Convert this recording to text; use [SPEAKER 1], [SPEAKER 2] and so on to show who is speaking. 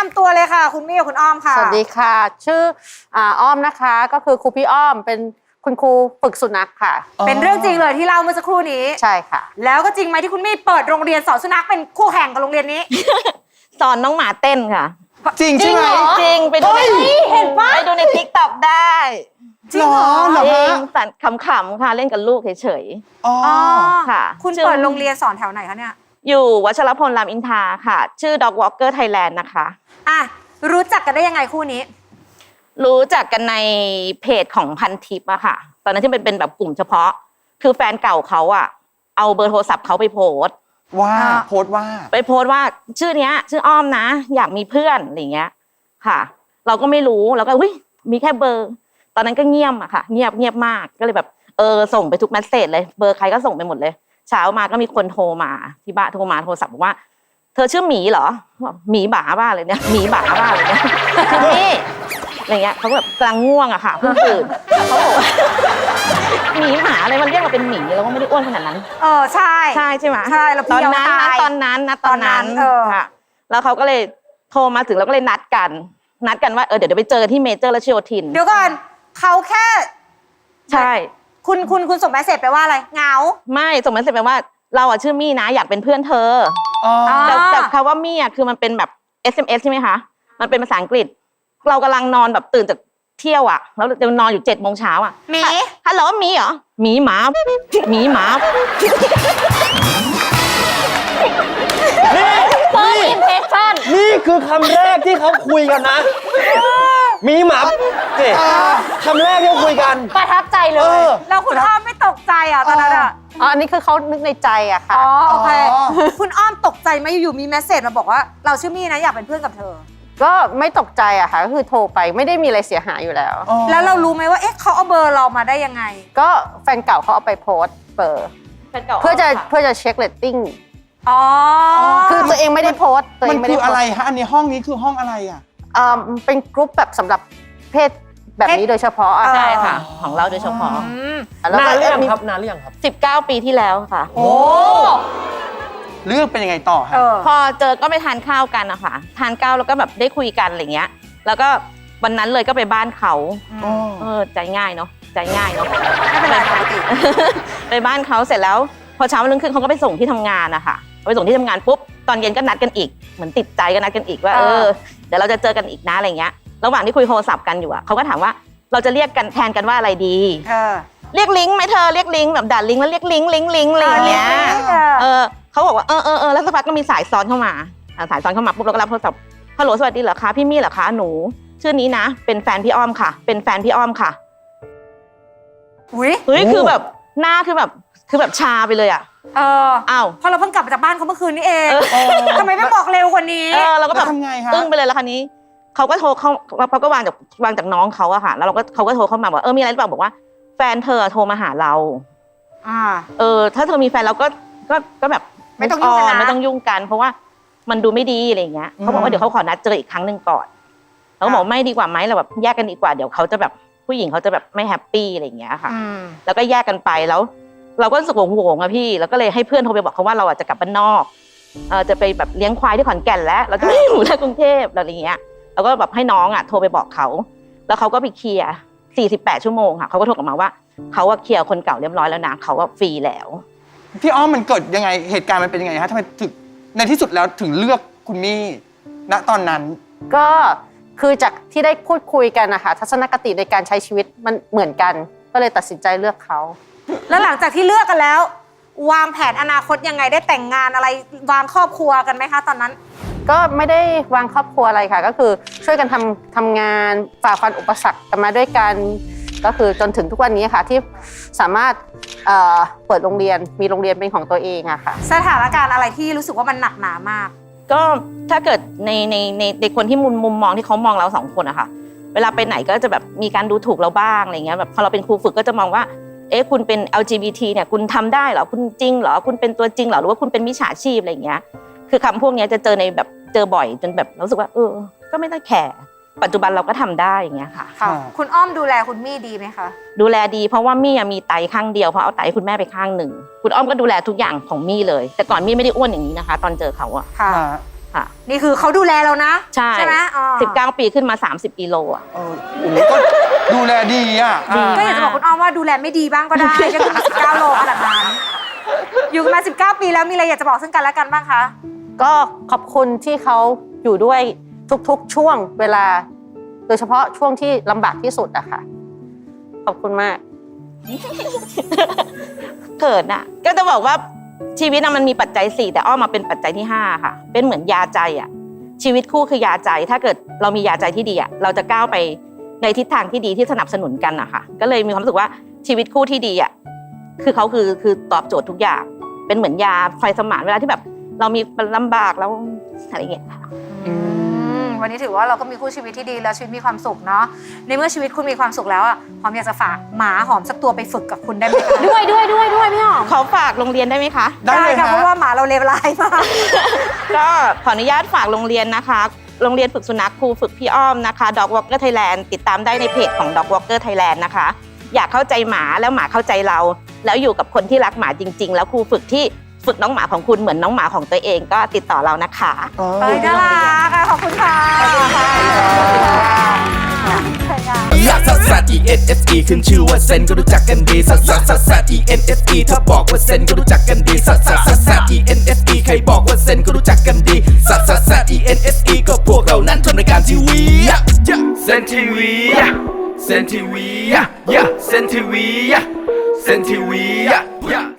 [SPEAKER 1] ำตัวเลยค่ะคุณมี่กับคุณอ้อมค่ะ
[SPEAKER 2] สวัสดีค่ะชื่ออ้อมนะคะก็คือครูพี่อ้อมเป็นคุณครูฝึกสุนัขค่ะ
[SPEAKER 1] เป็นเรื่องจริงเลยที่เล่าเมื่อสักครู่นี้
[SPEAKER 2] ใช่ค่ะ
[SPEAKER 1] แล้วก็จริงไหมที่คุณมี่เปิดโรงเรียนสอนสุนัขเป็นคู่แข่งกับโรงเรียนนี้
[SPEAKER 3] สอนน้องหมาเต้นค่ะ
[SPEAKER 4] จริงใช่ไหม
[SPEAKER 3] จริงไปดูใน
[SPEAKER 1] เห็นปะ
[SPEAKER 3] ไปดูในทิกตอกได้
[SPEAKER 1] จริงเหรอ
[SPEAKER 3] จริ
[SPEAKER 4] เหรอฮะ
[SPEAKER 3] งสันขำๆค่ะเล่นกับลูกเฉย
[SPEAKER 4] อ๋อ
[SPEAKER 3] ค่ะ
[SPEAKER 1] คุณเปิดโรงเรียนสอนแถวไหนคะเนี่ย
[SPEAKER 3] ๆอยู่วัชรพลรามอินทราค่ะ ชื่อ Dog Walker Thailand นะคะ
[SPEAKER 1] อ่ะรู้จักกันได้ยังไงคู่นี้
[SPEAKER 3] รู้จักกันในเพจของพันทิปอะค่ะ ตอนนั้นที่เป็นแบบกลุ่มเฉพาะ คือแฟนเก่าเขาอะเอาเบอร์โทรศัพท์เขาไปโพสต์
[SPEAKER 4] ว่าโพสต์ว่า
[SPEAKER 3] ว่าชื่อเนี้ยชื่ออ้อมนะ อยากมีเพื่อนอะไรเงี้ยค่ะ เราก็ไม่รู้เราก็มีแค่เบอร์ ตอนนั้นก็เงียบอะค่ะเงียบมากก็เลยแบบส่งไปทุกเมสเสจเลยเบอร์ใครก็ส่งไปหมดเลยเช้ามาก็มีคนโทรมาที่บ้านโทรศัพท์บอกว่าเธอชื่อหมีเหรอหมีบ้าบ้าเลยเนี่ยหมีบ้าบ้าเลยเนี่ยคือนี่อะไรเงี้ยเขาแบบกลางง่วงอะค่ะเพิ่งตื่นเขาบอกว่าหมีหมาอะไรมันเรียกเราเป็นหมีเราก็ไม่ได้อ้วนขนาดนั้น
[SPEAKER 1] ใช่
[SPEAKER 3] ใช่ไหม
[SPEAKER 1] ใช่เราตอนนั้น
[SPEAKER 3] ค่ะแล้วเขาก็เลยโทรมาถึงเราก็เลยนัดกันว่าเดี๋ยวไปเจอที่เมเจอร์รัชโยธิน
[SPEAKER 1] เดี๋ยวก่อนเขาแค่
[SPEAKER 3] ใช่
[SPEAKER 1] คุณส่งเมสเสจไปว่าอะไรเหงา
[SPEAKER 3] ไม่ส่งเมสเสจไปว่าเราชื่อมี่นะอยากเป็นเพื่อนเธอแต่คำว่ามี่คือมันเป็นแบบ SMS ใช่ไหมคะมันเป็นภาษาอังกฤษเรากำลังนอนแบบตื่นจากเที่ยวแล้วจะนอนอยู่7 โมงเช้า
[SPEAKER 1] หมี
[SPEAKER 3] ฮัลโหลหมีเหรอหมีหมา
[SPEAKER 4] นี่คือคำแรกที่เขาคุยกันนะมีหมาคำแรกที่เขาคุยกัน
[SPEAKER 1] ประทับใจเลยแล้วคุณอ้อมไม่ตกใจตอนนั้น
[SPEAKER 2] อันนี้คือเขานึกในใจอะค่ะ
[SPEAKER 1] โอเคคุณอ้อมตกใจไหมอยู่มีเมสเสจมาบอกว่าเราชื่อมี่นะอยากเป็นเพื่อนกับเธอ
[SPEAKER 2] ก็ไม่ตกใจอะค่ะก็คือโทรไปไม่ได้มีอะไรเสียหายอยู่แล้ว
[SPEAKER 1] แล้วเรารู้ไหมว่าเขาเอาเบอร์เรามาได้ยังไง
[SPEAKER 2] ก็แฟนเก่าเขาเอาไปโพสต์เบอร์เพื่อจะเช็คเรตติ้งคือตัวเองไม่ได้โพสต์ตัวเองไม่ได้
[SPEAKER 4] มันคืออะไรฮะอันนี้ห้องนี้คือห้องอะไร
[SPEAKER 2] เป็นกรุ๊ปแบบสำหรับเพศแบบนี้โดยเฉพาะ
[SPEAKER 3] ใช่ค่ะของเราโดยเฉพาะ
[SPEAKER 4] นานหรือยังครับ
[SPEAKER 3] 19 ปีที่แล้วค่ะ
[SPEAKER 1] โอ้
[SPEAKER 4] เรื่องเป็นยังไงต่อฮะ
[SPEAKER 3] พอเจอก็ไปทานข้าวกันนะคะทานข้าวแล้วก็แบบได้คุยกันอะไรเงี้ยแล้วก็วันนั้นเลยก็ไปบ้านเขาใจง่ายเนาะไม่
[SPEAKER 1] เป็นไรปกติ
[SPEAKER 3] ไปบ้านเขาเสร็จแล้วพอเช้าวันรุ่งขึ้นเขาก็ไปส่งที่ทำงานนะคะไปส่งที่ทำงานปุ๊บตอนเย็นก็นัดกันอีกเหมือนติดใจก็นัดกันอีกว่าเดี๋ยวเราจะเจอกันอีกนะอะไรเงี้ยระหว่างที่คุยโทรศัพท์กันอยู่เขาก็ถามว่าเราจะเรียกกันแทนกันว่าอะไรดีเรียกลิงไหมเธอเรียกลิงแบบด่าลิงแล้วเรียกลิงอะไรอย่างเงี้ยเขาบอกว่าแล้วสักพักก็มีสายซ้อนเข้ามาปุ๊บเราก็รับโทรศัพท์ฮัลโหลสวัสดีเหรอคะพี่มี่เหรอคะหนูชื่อนี้นะเป็นแฟนพี่อ้อมค่ะอุ้ยคือแบบหน้าคือแบบชาไปเลยอ้าว
[SPEAKER 1] พอเราเพิ่งกลับมาจากบ้านเขาเมื่อคืนนี้เองทำไมไม่บอกเร็วกว่านี้
[SPEAKER 3] เราก็แบบอึ้งไปเลยแล้วคราวนี้เขาก็โทรเขาก็วางจากน้องเขาอะค่ะแล้วเขาก็โทรเข้ามาบอกมีอะไรหรือเปล่าบอกว่าแฟนเธอโทรมาหาเราถ้าเธอมีแฟนเราก็แบบ
[SPEAKER 1] ไม่ต้องยุ่งกันนะ
[SPEAKER 3] ไม่ต้องยุ่งกันเพราะว่ามันดูไม่ดีอะไรอย่างเงี้ยเขาบอกว่าเดี๋ยวเขาขอนัดเจออีกครั้งหนึ่งก่อนเขาบอกไม่ดีกว่าไหมเราแบบแยกกันดีกว่าเดี๋ยวเขาจะแบบผู้หญิงเขาจะแบบไม่แฮปปี้อะไรอย่างเงี้ยค่ะแล้วก็แยกกันไปแล้วเราก็รู้สึกโงงอะพี่แล้วก็เลยให้เพื่อนโทรไปบอกเขาว่าเราจะกลับบ้านนอกจะไปแบบเลี้ยงควายที่ขอนแก่นแล้วเราจะไม่อยู่ในกรุงเทพอะไรอย่างเงี้ยแล้วก็แบบให้น้องโทรไปบอกเขาแล้วเขาก็ไปเคลียร์48 ชั่วโมงค่ะเขาก็โทรกลับมาว่าเขาเคลียร์คนเก่าเรียบร้อยแล้วนะเขาฟรีแล้ว
[SPEAKER 4] พี่อ้อมมันเกิดยังไงเหตุการณ์มันเป็นยังไงฮะทำไมถึงในที่สุดแล้วถึงเลือกคุณมี่ณตอนนั้น
[SPEAKER 2] ก็คือจากที่ได้พูดคุยกันนะคะทัศนคติในการใช้ชีวิตมันเหมือนกันก็เลยตัดสินใจเลือกเขา
[SPEAKER 1] แล้วหลังจากที่เลือกกันแล้ววางแผนอนาคตยังไงได้แต่งงานอะไรวางครอบครัวกันไหมคะตอนนั้น
[SPEAKER 2] ก็ไม่ได้วางครอบครัวอะไรค่ะก็คือช่วยกันทำงานฝ่าฟันอุปสรรคกันมาด้วยกันก็คือจนถึงทุกวันนี้ค่ะที่สามารถเปิดโรงเรียนมีโรงเรียนเป็นของตัวเองอะค่ะ
[SPEAKER 1] สถานการณ์อะไรที่รู้สึกว่ามันหนักหนามาก
[SPEAKER 3] ก็ถ้าเกิดในคนที่มุมมองที่เขามองเรา2 คนอะค่ะเวลาไปไหนก็จะแบบมีการดูถูกเราบ้างอะไรเงี้ยแบบพอเราเป็นครูฝึกก็จะมองว่าคุณเป็น LGBT เนี่ยคุณทำได้เหรอคุณจริงเหรอคุณเป็นตัวจริงเหรอหรือว่าคุณเป็นมิจฉาชีพอะไรเงี้ยคือคำพวกนี้จะเจอในแบบเจอบ่อยจนแบบรู้สึกว่าก็ไม่ต้องแคร์ปัจจุบันเราก็ทำได้อย่างเงี้ยค่ะ
[SPEAKER 1] คุณอ้อมดูแลคุณมี่ดีไหมคะ
[SPEAKER 3] ดูแลดีเพราะว่ามี่มีไตข้างเดียวเพราะเอาไตคุณแม่ไปข้างหนึ่งคุณอ้อมก็ดูแลทุกอย่างของมี่เลยแต่ก่อนมี่ไม่ได้อ้วนอย่างนี้นะคะตอนเจอเขา
[SPEAKER 1] ค่ะ
[SPEAKER 3] ค่ะ
[SPEAKER 1] นี่คือเขาดูแลเรานะ
[SPEAKER 3] ใช่
[SPEAKER 1] ไหมอ๋อ
[SPEAKER 3] 19 ปีขึ้นมา 30 กิโลอ่ะ
[SPEAKER 5] โอ้โหก็ดูแลดีอ่ะ
[SPEAKER 1] ก็อยากจะบอกคุณอ้อมว่าดูแลไม่ดีบ้างก็ได้ก็คือ19 โลขนาดนั้นอยู่กันมา 19 ปีแล้วมีอะไรอยากจะบอกซึ่งกันและกันบ้างคะ
[SPEAKER 2] ก็ขอบคุณที่เขาอยู่ด้วยทุกๆช่วงเวลา โดยเฉพาะช่วงที่ลำบากที่สุดอะค่ะ ขอบคุณมาก
[SPEAKER 3] เกิดน่ะก็จะบอกว่าชีวิตน่ะมันมีปัจจัย4แต่อ้อมมาเป็นปัจจัยที่5ค่ะเป็นเหมือนยาใจอ่ะชีวิตคู่คือยาใจถ้าเกิดเรามียาใจที่ดีอ่ะเราจะก้าวไปในทิศทางที่ดีที่สนับสนุนกันอะค่ะก็เลยมีความรู้สึกว่าชีวิตคู่ที่ดีอ่ะคือเขาคือตอบโจทย์ทุกอย่างเป็นเหมือนยาไฟสมานเวลาที่แบบเรามีลำบากแล้วอะไรอย่างเงี้ย
[SPEAKER 1] วันนี้ถือว่าเราก็มีคู่ชีวิตที่ดีแล้วชีวิตมีความสุขเนาะในเมื่อชีวิตคุณมีความสุขแล้วอ่ะหอมอยากจะฝากหมาหอมสักตัวไปฝึกกับคุณได้ไหมคะ
[SPEAKER 2] ด้วยพี่หอม
[SPEAKER 3] ขอฝากโรงเรียนได้ไหมคะ
[SPEAKER 5] ได้เลย
[SPEAKER 1] ค่ะ
[SPEAKER 5] ฮะ
[SPEAKER 1] เพราะว่าหมาเราเลวร้ายมาก
[SPEAKER 3] ก็ขออนุญาตฝากโรงเรียนนะคะ โรงเรียนฝึกสุนัขครูฝึกพี่อ้อมนะคะ Dog Walker Thailand ติดตามได้ในเพจของ Dog Walker Thailand นะคะ อยากเข้าใจหมาแล้วหมาเข้าใจเรา แล้วอยู่กับคนที่รักหมาจริง ๆ แล้วครูฝึกที่ฝึกน้องหมาของคุณเหมือนน้องหมาของตัวเองก็ติดต่อเรานะคะ
[SPEAKER 1] ไปน่ารักค่ะขอบคุณค่ะขอบคุณค่ะ
[SPEAKER 6] ลักซัสซัส E N S E ขึ้นชื่อว่าเซนก็รู้จักกันดีซัสซัสซัสซัส E N S E ถ้าบอกว่าเซนก็รู้จักกันดีซัสซัสซัสซัส E N S E ใครบอกว่าเซนก็รู้จักกันดีซัสซัสซัส E N S E ก็พวกเรานั้นทำรายการทีวีเซนทีวีเซนทีวีเซนทีวีเซนทีวี